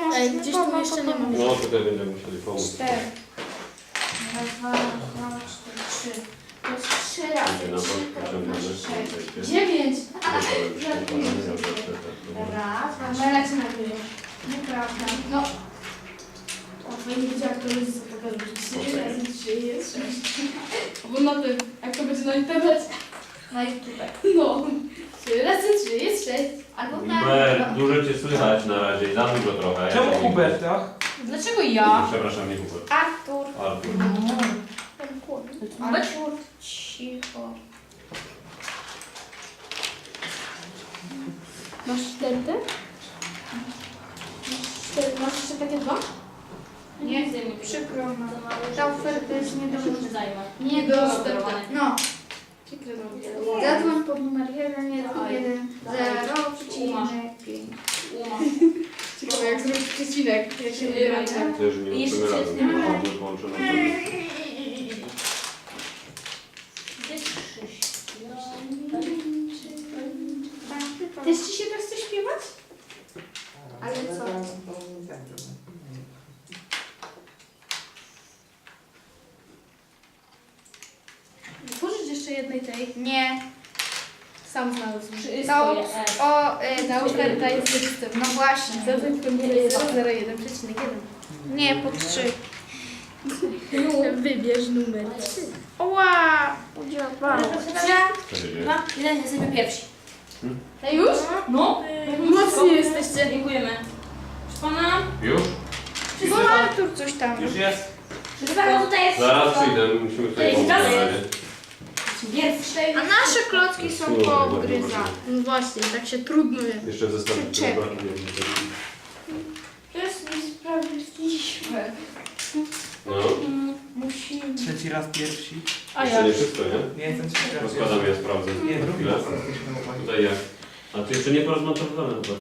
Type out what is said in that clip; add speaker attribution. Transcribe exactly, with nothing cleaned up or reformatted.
Speaker 1: Ej, gdzieś tu jeszcze nie mam.
Speaker 2: No tutaj będziemy musieli pomóc.
Speaker 3: Cztery. Raz, dwa, dwa, cztery, trzy. To jest trzy razy
Speaker 2: Będzie na bok
Speaker 3: trzy, to
Speaker 2: wyciągamy.
Speaker 3: masz sześć.
Speaker 1: Dziewięć.
Speaker 3: Raz, dwa,
Speaker 1: Ale lecę na górę.
Speaker 3: nieprawda.
Speaker 1: No. O, fajnie wiedziała, kto jest za pokazać. trzy razy trzy jest sześć. Bo na tym, jak to będzie na internecie.
Speaker 3: Na YouTube.
Speaker 1: No. trzy razy trzy jest sześć.
Speaker 3: Albo na...
Speaker 2: Hubert, dużo cię słychać na razie, za dużo trochę.
Speaker 4: Czemu
Speaker 2: Ja to nie-
Speaker 4: Hubert, tak?
Speaker 1: Dlaczego ja?
Speaker 2: Przepraszam, nie Hubert.
Speaker 3: Artur.
Speaker 2: Artur.
Speaker 3: Artur, cicho.
Speaker 1: Masz cztery te? Cztery. Masz jeszcze takie dwa?
Speaker 3: Nie chcę mi przykro. no. Ta oferta jest nie do...
Speaker 1: Nie
Speaker 3: Dostępna. No.
Speaker 1: Przykro nam.
Speaker 3: Zadzwoń pod numer jeden jeden jeden zero pięć.
Speaker 1: Ciekawe jak zrobić przecinek. Jak się
Speaker 3: Nie
Speaker 1: wybiera.
Speaker 3: wiem.
Speaker 2: Też nie
Speaker 3: Jeszcze
Speaker 2: uczymy
Speaker 3: jest
Speaker 2: razem,
Speaker 3: nie ma.
Speaker 2: bo włączone.
Speaker 1: Też ci się tak chce śpiewać?
Speaker 3: Ale co?
Speaker 1: Pożycz jeszcze jednej tej.
Speaker 3: Nie.
Speaker 1: Sam znalazł.
Speaker 3: To o... y,
Speaker 1: Ta oferta jest listem.
Speaker 3: No właśnie.
Speaker 1: Zadzwoń po numer zero jeden przecinek jeden.
Speaker 3: Nie, po trzy.
Speaker 1: Wybierz numer trzy.
Speaker 3: Oła! Udziałam.
Speaker 2: Co się dzieje?
Speaker 5: Dwa, jeden, jesteśmy pierwsi.
Speaker 1: A już?
Speaker 5: No.
Speaker 1: Mocni jesteście.
Speaker 5: Dziękujemy. Proszę pana.
Speaker 2: Już?
Speaker 3: No Artur coś tam.
Speaker 4: Już jest.
Speaker 5: Proszę pana, tutaj jest
Speaker 2: Zaraz
Speaker 5: wszystko.
Speaker 2: przyjdę, musimy tutaj
Speaker 5: jest
Speaker 2: pomóc na
Speaker 5: gaz.
Speaker 2: razie.
Speaker 5: Pierwszy.
Speaker 3: A nasze klocki są poobgryza.
Speaker 1: No właśnie, tak się trudno jest.
Speaker 2: Jeszcze w zestawie, który
Speaker 3: Czekaj.
Speaker 2: brakuje.
Speaker 3: To jest niesprawiedliwe.
Speaker 2: No,
Speaker 3: Musimy.
Speaker 4: Trzeci raz pierwsi.
Speaker 1: A
Speaker 2: jeszcze
Speaker 1: ja.
Speaker 2: nie wszystko, nie?
Speaker 4: Nie jestem trzeci raz
Speaker 2: Rozkładam, ja sprawdzę.
Speaker 4: Nie, drugi
Speaker 2: Chwilę.
Speaker 4: raz jesteśmy chłopaki.
Speaker 2: Tutaj jak? A ty jeszcze nie porozmontowane chyba.